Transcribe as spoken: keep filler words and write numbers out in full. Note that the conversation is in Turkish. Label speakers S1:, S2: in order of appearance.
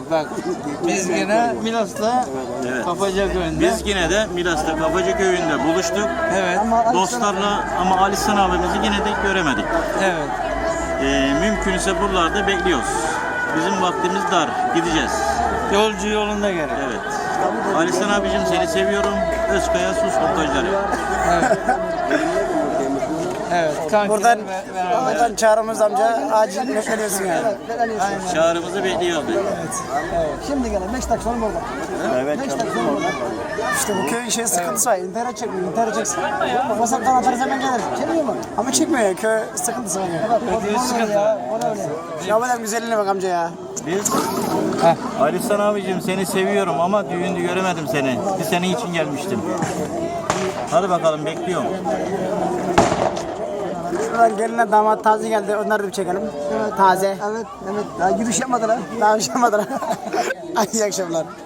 S1: bak biz yine Milas'ta
S2: Evet.
S1: Kapaca köyünde.
S2: Biz yine de Milas'ta Kapaca köyünde buluştuk.
S1: Evet.
S2: Dostlarla ama Ali San abimizi yine de göremedik.
S1: Evet.
S2: Ee, mümkünse buralarda bekliyoruz. Bizim vaktimiz dar. Gideceğiz.
S1: Yolcu yolunda gerek.
S2: Evet. Ali San abicim seni seviyorum. Özkaya Sus Montajları.
S1: Evet. Evet. Kankiler
S3: Buradan,
S1: ve- beraber.
S3: buradan Çağrımız amca acil bekleniyorsun yani.
S2: Çağrımızı bekliyoruz.
S3: Şimdi gelen beş dakika sonra burada.
S2: Evet.
S3: beş dakika sonra burada. İşte bu köyün şey sıkıntısı var. İnternet çekmiyor, internet çeksin. WhatsApp'tan atarız hemen gelir. Çekmiyor mu? Ama çekmiyor ya, köy sıkıntısı var ya.
S1: Kötü sıkıntı.
S3: Ya, o da öyle. Ya bu da güzelliğine bak amca ya.
S2: Biz Ali San abicim seni seviyorum ama düğünde göremedim seni. Bir senin için gelmiştim. Hadi bakalım bekliyorum.
S3: Şuradan geline damat taze geldi. Onları da bir çekelim. Evet. Taze. Evet, evet. Daha yürüyüş yapmadılar. Daha yürüyüş yapmadılar. İyi akşamlar.